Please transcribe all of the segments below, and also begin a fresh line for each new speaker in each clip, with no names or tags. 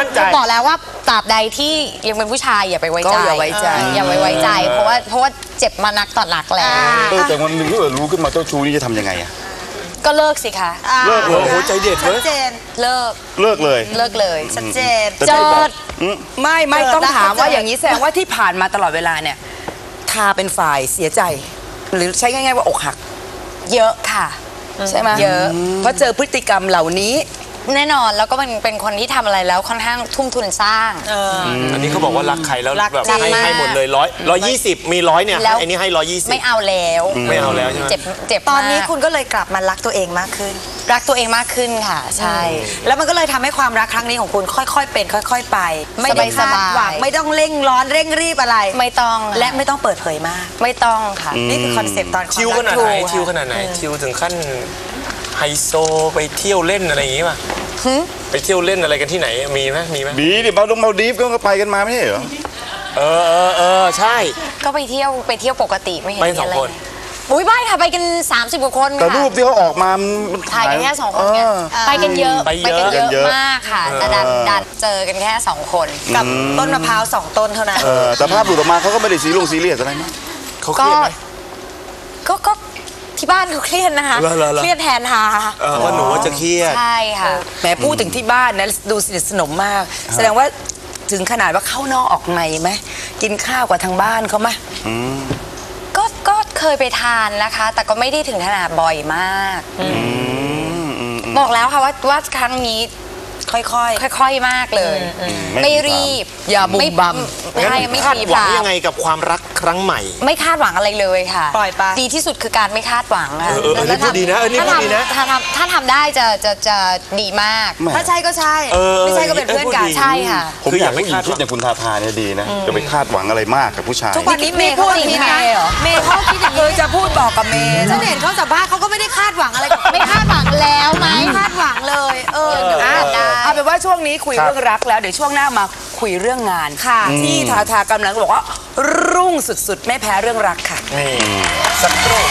มั่นใจ
บอกแล้วว่าตราบใดที่ยังเป็นผู้ชายอย่าไปไว้ใจ
อย่าไว้ใจ
เพราะว่าเจ็บมานักต่อนักแล้ว
แต่วันหนึ่งถ้าเกิดรู้ขึ้นมาเจ้าชู้นี่จะทำยังไงอะ
ก็เลิกสิคะ
เลิกเลย
โอ้โหใจเด็ดเลย
เลิกเลย
ชัดเจน
เจิด
ไม่ต้องถามว่าอย่างนี้แสดงว่าที่ผ่านมาตลอดเวลาเนี่ยทาเป็นฝ่ายเสียใจหรือใช้ง่ายๆว่าอกหัก
เยอะค่ะ
ใช่ไหม
เยอะ
เพราะเจอพฤติกรรมเหล่านี้
แน่นอนแล้วก็เป็นคนที่ทำอะไรแล้วค่อนข้างทุ่มทุนสร้าง
อันนี้เขาบอกว่ารักใครแล้วแบบให้หมดเลย120มี100เนี่ยอันนี้ให้120
ไม่เอาแล้ว
ใช่ไหม
เจ็บ
ตอนนี้คุณก็เลยกลับมารักตัวเองมากขึ้น
ค่ะใช่
แล้วมันก็เลยทำให้ความรักครั้งนี้ของคุณค่อยๆเป็นค่อยๆไปไม่ได้คาดหวังไม่ต้องเร่งร้อนเร่งรีบอะไร
ไม่ต้อง
และไม่ต้องเปิดเผยมาก
ไม่ต้องค่ะ
นี่คือคอนเซปต์ตอน
ชิลขนาดไหนชิลถึงขั้นไฮโซไปเที่ยวเล่นอะไรอย่างงี้ป่ะไปเที่ยวเล่นอะไรกันที่ไหนมีไหม
ดีดิมาดีฟก็ไปกันมาไม่ใช่เหรอ
ใช่
ก็ไปเที่ยวปกติไม่เห็น
ไป2 คน
อุ้ยไม่ค่ะไปกัน30 กว่าคน
แต่รูปที่เขาออกมา
ถ่ายกันแค่2 คนไงไปกันเยอะมากค่ะแต่ดันเจอกันแค่2 คน
กับต้นมะพร้าว2 ต้นเท่านั้น
แต่ภาพหลุดออกมาเขาก็ไม่ได้ซีเรียสอะไรนะ
เขาเครียดไหม
ก็ที่บ้านเขาเครียดนะคะเครียดแทนค่ะ
ว่าหนูจะเครียด
ใช่ค่ะ
แม้พูดถึงที่บ้านนะดูสนิทสนมมากแสดงว่าถึงขนาดว่าเข้านอกออกในไหมกินข้าวกับทางบ้านเขาไหม
ก็เคยไปทานนะคะแต่ก็ไม่ได้ถึงขนาดบ่อยมากบอกแล้วค่ะว่าครั้งนี้ค่อยมากเลยไม่รีบ
อย่าบุ่มบั่ม
ไม่
คาดหวังยังไงกับความรักครั้งใหม่
ไม่คาดหวังอะไรเลยค่ะ
ปล่อยไป
ดีที่สุดคือการไม่คาดหวังค่ะ
นี่พูดดีนะ
ถ้าทำได้จะดีมาก
ถ้าใช่ก็ใช่ไม่ใช่ก็เป็นเพื่อนกัน
ใช่ค่ะ
ผมอยากให้คิดอย่างคุณทาเนี่ยดีนะจะไปคาดหวังอะไรมากกับผู้ชาย
ทุกวันนี้เมย์พูดอย่างนี้นะเมย์เขาคิดอย่างนี้
จะพูดบอกกับเมย์
ฉันเห็นเขาสัมภาษณ์เขาก็ไม่ได้คาดหวังอะไรกับ
ไม่คาดหวังแล้วไหม
คาดหวังเลย
เอาเป็นว่าช่วงนี้คุยเรื่องรักแล้วเดี๋ยวช่วงหน้ามาคุยเรื่องงานที่ทากำลังบอกว่ารุ่งสุดๆไม่แพ้เรื่องรักค่ะ
สักครู่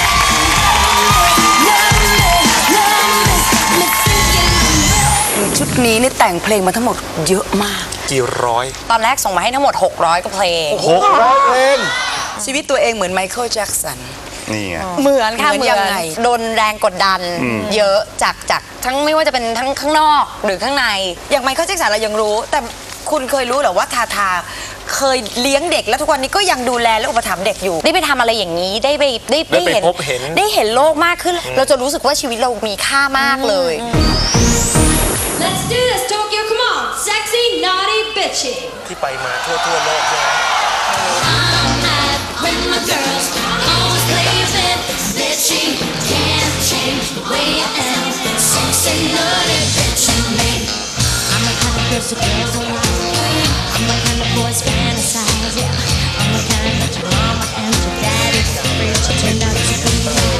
ชุดนี้นี่แต่งเพลงมาทั้งหมดเยอะมาก
กี่ร้อย
ตอนแรกส่งมาให้ทั้งหมด600 กว่าเพลง
600 เพลง
ชีวิตตัวเองเหมือนไมเคิลแจ็คสัน
นี่ไง
เหมือนค่ะเหมือนโดนแรงกดดันเยอะจากทั้งไม่ว่าจะเป็นทั้งข้างนอกหรือข้างใน
อย่างไมเคิลแจ็คสันเรายังรู้แต่คุณเคยรู้หรอว่าทาเคยเลี้ยงเด็กแล้วทุกวันนี้ก็ยังดูแลและอุปถัมภ์เด็กอยู่
ได้ไปทำอะไรอย่างนี้ได้เห็นโลกมากขึ้นเราจะรู้สึกว่าชีวิตเรามีค่ามากเลย
Let's do this Tokyo come on sexy naughty bitchy
ที่ไปมาทั่วโลกใช่ไหม
I'm at with my girls always leaving bitchy can't change the way I am sexy naughty bitchy me I'm the kind of bitch the girls are like I'm the kind of boys fantasize yeah I'm the kind that your mama and your daddy afraid to turn out to be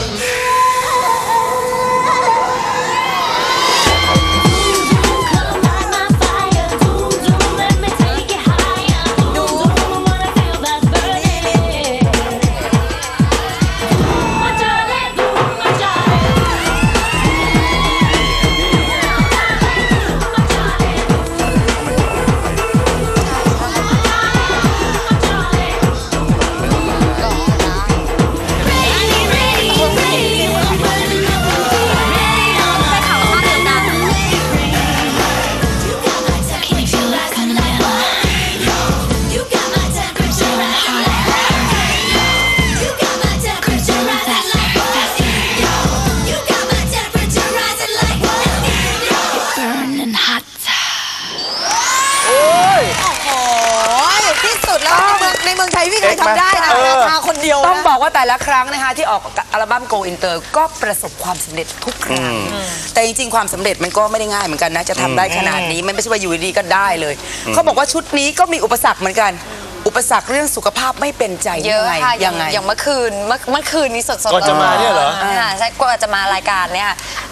ในเมืองไทยไม่เคยทำได้นะทาคนเดียว
ต้องบอกว่าแต่ละครั้งนะคะที่ออกอัลบั้ม Go Inter ก็ประสบความสำเร็จทุกครั้งแต่จริงๆความสำเร็จมันก็ไม่ได้ง่ายเหมือนกันนะจะทำได้ขนาดนี้ไม่ใช่ว่าอยู่ดีก็ได้เลยเขาบอกว่าชุดนี้ก็มีอุปสรรคเหมือนกันอุปสรรคเรื่องสุขภาพไม่เป็นใจ
เยอะค่ะอย่างเมื่อคืนนี้สดๆ
ก่อนจะมาเนี่ยเหรอ
ใช่ก่อนจะมารายการเนี่ย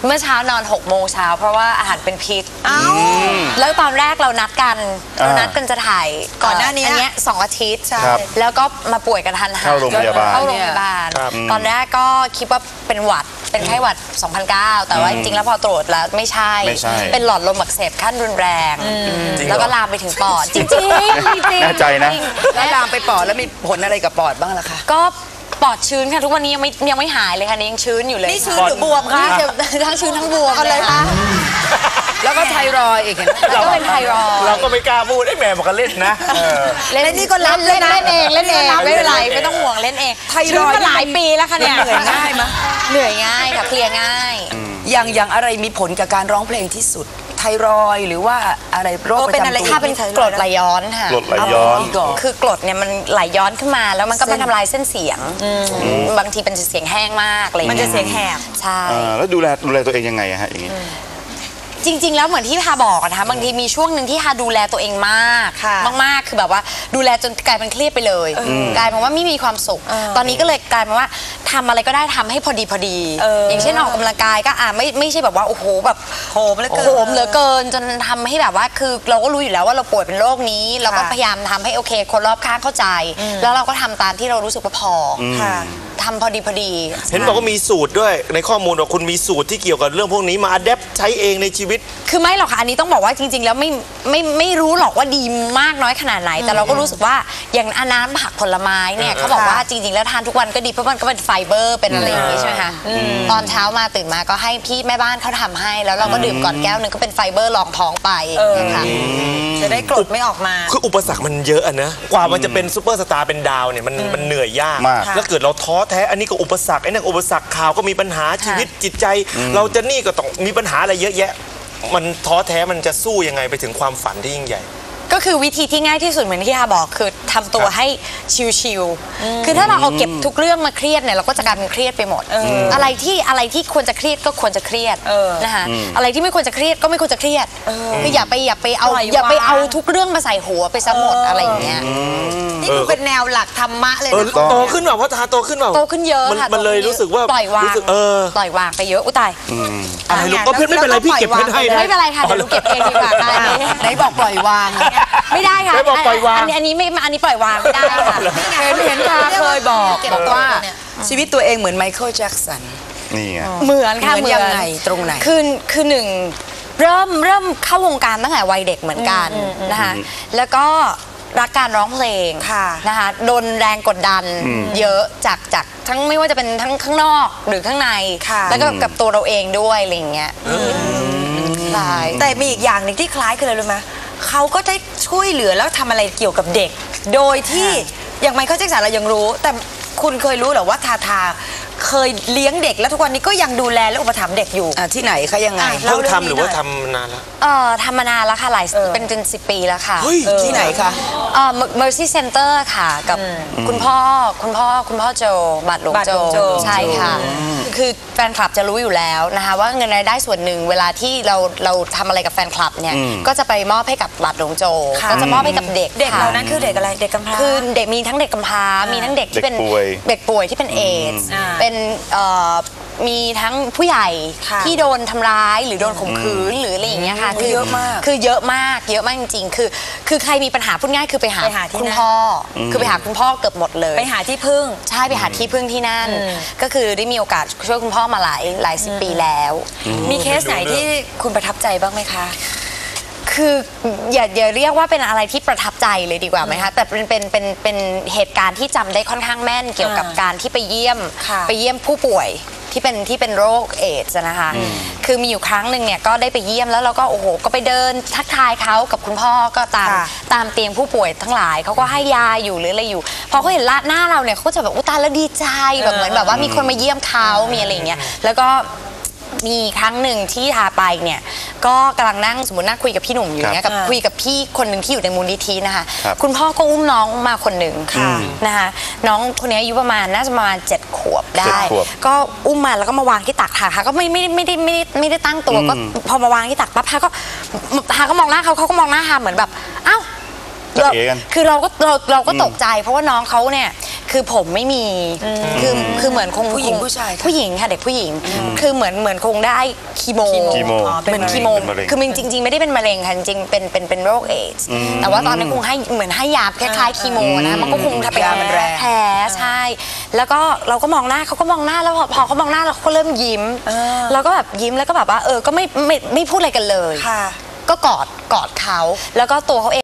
เมื่อเช้านอน6 โมงเช้าเพราะว่าอาหารเป็นพิษแล้วตอนแรกเรานัดกันจะถ่าย
ก่อนหน้านี้
อันเนี้ย2 อาทิตย์
ครับ
แล้วก็มาป่วยกันทันหัน
เข้าโรงพยาบาล
เข้าโรงพยาบาล ตอนแรกก็คิดว่าเป็นหวัดเป็นไข้หวัด 2009 แต่ว่าจริงๆแล้วพอตรวจแล้วไม่ใช่ เป็นหลอดลมอักเสบขั้นรุนแรงแล้วก็ลามไปถึงปอดจริงๆ
แน่ใจนะ
แล้วลามไปปอดแล้วมีผลอะไรกับปอดบ้างล่ะคะ
ก็ปอดชื้นค่ะทุกวันนี้ยังไม่หายเลยค่ะยังชื้นอยู่เลย
นี่ชื้นหรือบวมคะ
ทั้งชื้นทั้งบวม
เอาเลยค่ะ
แล้วก็ไทรอยด์อีกเห็นไหม
แล้วก็เป็นไทรอยด์
เราก็ไม่กล้าพูดไอ้แม่บอกกันเล่นนะ
เล่นนี่ก็เล่นเล่นเองไม่เป็นไรไม่ต้องห่วงเล่นเอง
ไทรอยด์
ชื้นมาหลายปีแล้วค่ะเนี่ย
เหนื่อยง่ายมั้ย
เหนื่อยง่ายค่ะเพลียง่าย
อย่างอะไรมีผลกับการร้องเพลงที่สุด ไทรอยด์หรือว่าอะไรโรคประจำตัว
ถ้าเป็นกรดไหลย้อนค่ะ
กรดไหลย้อน
คือกรดเนี่ยมันไหลย้อนขึ้นมาแล้วมันก็มาทำลายเส้นเสียงบางทีเป็นเสียงแห้งมากอะไรอย่าง
มัน
เงี้ย
จะเสียงแหบ
ใช่
แล้วดูแลตัวเองยังไงอะฮะอย่างนี้
จริงๆแล้วเหมือนที่พาบอกนะคะบางทีมีช่วงหนึ่งที่พาดูแลตัวเองมาก
ค่ะ
มากๆคือแบบว่าดูแลจนกลายเป็นเครียดไปเลยกลายเป็นว่าไม่มีความสุข ตอนนี้ก็เลยกลายเป็นว่าทำอะไรก็ได้ทำให้พอดีอย่างเช่นออกกำลังกายก็ไม่ใช่แบบว่าโอ้โหแบบโหมเหลือเกินจนทำให้แบบว่าคือเราก็รู้อยู่แล้วว่าเราป่วยเป็นโรคนี้เราก็พยายามทำให้โอเคคนรอบข้างเข้าใจ แล้วเราก็ทำตามที่เรารู้สึกว่าพอ
ค่ะ
ทำพอดี
เห็นบอกว่ามีสูตรด้วยในข้อมูลว่าคุณมีสูตรที่เกี่ยวกับเรื่องพวกนี้มาอัดแอปใช้เองในชีวิต
คือไม่หรอกค่ะอันนี้ต้องบอกว่าจริงๆแล้วไม่รู้หรอกว่าดีมากน้อยขนาดไหน แต่เราก็รู้สึกว่าอย่างน้ำผักผลไม้เนี่ยเขาบอกว่าจริงๆแล้วทานทุกวันก็ดีเพราะมันก็เป็นไฟเบอร์เป็นอะไรอย่างนี้ใช่ไหมคะตอนเช้ามาตื่นมาก็ให้พี่แม่บ้านเขาทำให้แล้วเราก็ดื่มก่อนแก้วนึงก็เป็นไฟเบอร์รองท้องไปค่ะ
จะได้กรดไม่ออกมา
คืออุปสรรคมันเยอะอะนะกว่ามันจะเป็นซูเปอร์สตาร์เป็นดาวเนี่ยมันเหนื่อยยาก
มาก
แล้วเกิดเราท้อแท้อันนี้ก็อุปสรรคไอ้นั่นก็อุปสรรคข่าวก็มีปัญหาชีวิตจิตใจ เราจะนี่ก็ต้องมีปัญหาอะไรเยอะแยะ มันท้อแท้มันจะสู้ยังไงไปถึงความฝันที่ยิ่งใหญ่
ก็คือวิธีที่ง่ายที่สุดเหมือนที่อาบอกคือทำตัวให้ชิลๆคือถ้าเราเอาเก็บทุกเรื่องมาเครียดเนี่ยเราก็จะกลายเป็นเครียดไปหมดอะไรที่ควรจะเครียดก็ควรจะเครียดนะคะอะไรที่ไม่ควรจะเครียดก็ไม่ควรจะเครียดคืออย่าไปเอาทุกเรื่องมาใส่หัวไปซะหมดอะไรอย่างเงี้ย
นี่คือเป็นแนวหลักธรรมะเลยนะ
โตขึ้นเปล่าเพราะทาโตขึ้นเปล่า
โตขึ้นเยอะค่ะ
มันเลยรู้สึกว่า
ปล่อยวาง
รู้สึก
ปล่อยวางไปเยอะอุยตาย
อะไรลูกก็เพื่อนไม่เป็นไรพี่เก็บเพชรให้นะ
ไม่เป็นไรค่ะเดี๋ยวหนูเก็บเองดีกว่าได้
ไหนบอกปล่อยวาง
ไม่ได้ค่ะ
ไม่บอกปล่อยวาง
อันนี้ปล่อยวางไม่ได้ค่ะ
เห็นค่ะเคยบอกว่าชีวิตตัวเองเหมือนไมเคิลแจ็คสัน
นี่ไง
เหมือนค่ะ
เหมือนยังไงตรงไหน
คือหนึ่งเริ่มเข้าวงการตั้งแต่วัยเด็กเหมือนกันนะคะแล้วก็รักการร้องเพลง
ค่ะ
นะคะโดนแรงกดดันเยอะจากทั้งไม่ว่าจะเป็นทั้งข้างนอกหรือข้างใน
ค่ะ
แล้วก็กับตัวเราเองด้วยอะไรอย่างเงี้ยใช่
แต่มีอีกอย่างหนึ่งที่คล้ายกันเลยรู้ไหมเขาก็ได้ช่วยเหลือแล้วทำอะไรเกี่ยวกับเด็ก โดยที่อย่างไมเคิลแจ็คสันเรายังรู้ แต่คุณเคยรู้เหรอว่าทาเคยเลี้ยงเด็กแล้วทุกวันนี้ก็ยังดูแลและอุปถัมภ์เด็กอยู่
ที่ไหนคะยังไง
เพิ่งทำหรือว่าทำนานแล้ว
ทำมานานแล้วค่ะเป็น10 ปีแล้วค่ะ
เฮ้ย
ที่ไหนคะ
Mercy Center ค่ะกับคุณพ่อโจบัตรหลวง
บัตรหลวงโจ
ใช่ค่ะ คือแฟนคลับจะรู้อยู่แล้วนะคะว่าเงินรายได้ส่วนหนึ่งเวลาที่เราทำอะไรกับแฟนคลับเนี่ยก็จะไปมอบให้กับบัตรหลวงโจก็จะมอบให้กับเด็ก
เด็ก
ค่ะ
เหล่านั้นคือเด็กอะไรเด็กกำพร้า
คือเด็กมีทั้งเด็กกำพร้ามีทั้งเด็กที่เป็น
เด็กป่วย
ที่เป็นเอดส์
อ่า
เป็นมีทั้งผู้ใหญ่
ค่ะ
ที่โดนทำร้ายหรือโดนข่มขืนหรืออะไรอย่างเงี้ยค่ะ
เยอะมาก
คือเยอะมากจริงๆคือใครมีปัญหาพูดง่ายคือไปหา
ไปหาที่
คุณ
นั่น
พ่ออคือไปหาคุณพ่อเกือบหมดเลย
ไปหาที่พึ่ง
ใช่ไปหาที่พึ่งที่นั่น ก็คือได้มีโอกาสช่วยคุณพ่อมาหลายสิบปีแล้ว
มีเคสไหนที่คุณประทับใจบ้างไหมคะ
คืออย่าเรียกว่าเป็นอะไรที่ประทับใจเลยดีกว่าไหมคะแต่เป็นเหตุการณ์ที่จำได้ค่อนข้างแม่นเกี่ยวกับการที่ไปเยี่ยมผู้ป่วยที่เป็นโรคเอดส์นะคะคือมีอยู่ครั้งหนึ่งเนี่ยก็ได้ไปเยี่ยมแล้วเราก็โอ้โหก็ไปเดินทักทายเขากับคุณพ่อก็ตามเตียงผู้ป่วยทั้งหลายเขาก็ให้ยาอยู่หรืออะไรอยู่พอเขาเห็นหน้าเราเนี่ยเขาก็จะแบบอุยตายแล้วดีใจแบบเหมือนแบบว่ามีคนมาเยี่ยมเขามีอะไรอย่างเงี้ยแล้วก็มีครั้งหนึ่งที่ทาไปเนี่ยก็กำลังนั่งสมมตินั่งคุยกับพี่หนุ่มอยู่เนี่ยกับคุยกับพี่คนหนึ่งที่อยู่ในมูลนิธินะคะคุณพ่อก็อุ้มน้องมาคนหนึ่งนะคะน้องคนนี้อายุน่าจะประมาณ7 ขวบได้ ก็อุ้มมาแล้วก็มาวางที่ตักค่ะก็ไม่ได้ตั้งตัวก็พอมาวางที่ตักปั๊บฮาก็มองหน้าเขาก็มองหน้าฮาเหมือนแบบอ้าวคือเราก็ตกใจเพราะว่าน้องเขาเนี่ยคือผมไม่มีคือเหมือนคง
ผู้หญิงผู้ชายคะ
ผู้หญิงค่ะเด็กผู้หญิงคือเหมือนคงได้คีโม
คีโม
เหมือนคีโม
เป็นมะเร็ง
คือมันจริง ๆ ไม่ได้เป็นมะเร็งค่ะจริงๆเป็นโรคเอดส์แต่ว่าตอนนั้นคงให้เหมือนให้ยาคล้ายๆคีโมนะมันก็คงทำให้
ยามันแรง
แพ้ใช่ แล้วก็เราก็มองหน้าเขาก็มองหน้าแล้วพอเขามองหน้าเราก็เริ่มยิ้มเราก็แบบยิ้มแล้วก็แบบว่าก็ไม่พูดอะไรกันเลย
ค่ะ
ก็กอดเขาแล้วก็ตัวเขาเอง